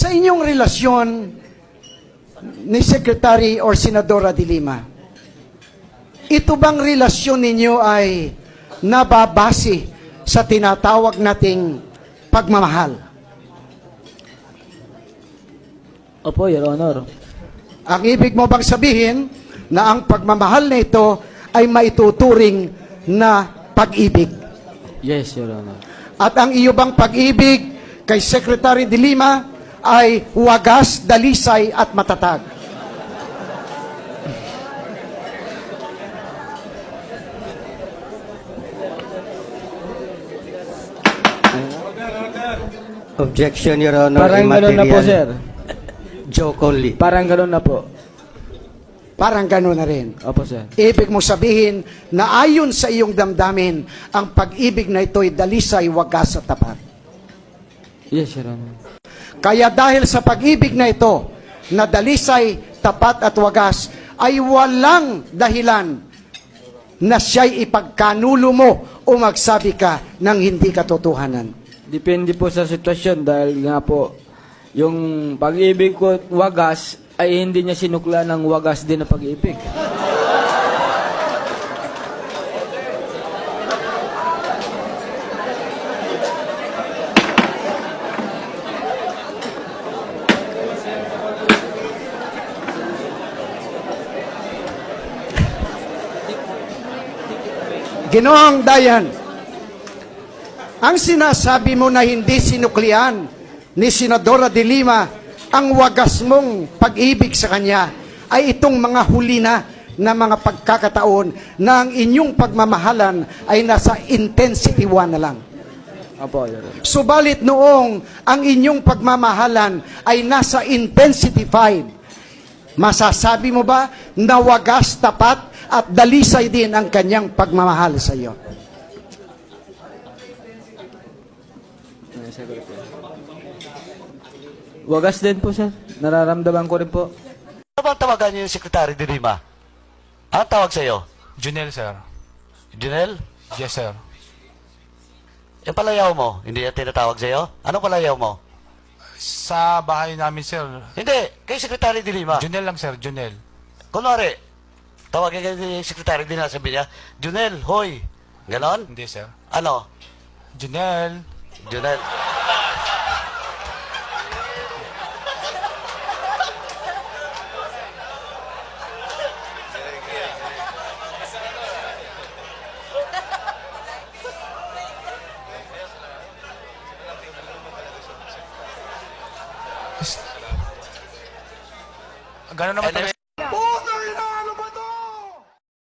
Sa inyong relasyon ni Secretary or Senadora de Lima, ito bang relasyon ninyo ay nababase sa tinatawag nating pagmamahal? Opo, Your Honor. Ang ibig mo bang sabihin na ang pagmamahal na ito ay maituturing na pag-ibig? Yes, Your Honor. At ang iyo bang pag-ibig kay Secretary de Lima ay wagas, dalisay at matatag? Objection, Your Honor. Parang gano'n na po, sir. Joke only. Parang gano'n na po. Parang gano'n na rin. Opo, sir. Ibig mo sabihin na ayon sa iyong damdamin, ang pag-ibig na ito ay dalisay, wagas at tapat. Yes, Your Honor. Kaya dahil sa pag-ibig na ito, na dalisay, tapat at wagas, ay walang dahilan na siya'y ipagkanulo mo o magsabi ka ng hindi katotohanan. Depende po sa sitwasyon dahil nga po, yung pag-ibig ko at wagas ay hindi niya sinukla ng wagas din na pag-ibig. Ginoong Dayan, ang sinasabi mo na hindi sinuklian ni Senadora de Lima ang wagas mong pag-ibig sa kanya ay itong mga huli na mga pagkakataon na ang inyong pagmamahalan ay nasa intensity 1 na lang. Opo, Your Honor. Subalit noong ang inyong pagmamahalan ay nasa intensity 5, masasabi mo ba na wagas, tapat at dalisay din ang kanyang pagmamahal sa iyo? Wagas din po, sir. Nararamdaman ko rin po. Ano bang tawagan niyo yung Secretary de Lima? Ano tawag sa'yo? Junel, sir. Junel? Yes, sir. Yung palayaw mo, hindi yan tinatawag sa'yo? Anong palayaw mo? Sa bahay namin, sir. Hindi, kay Secretary de Lima. Junel lang, sir. Junel. Kunwari, tawagin kayo ni Secretary de Lima, sabi niya, Junel, hoy. Ganon? Hindi, sir. Ano? Junel. Junel. Gano'n naman Anyway,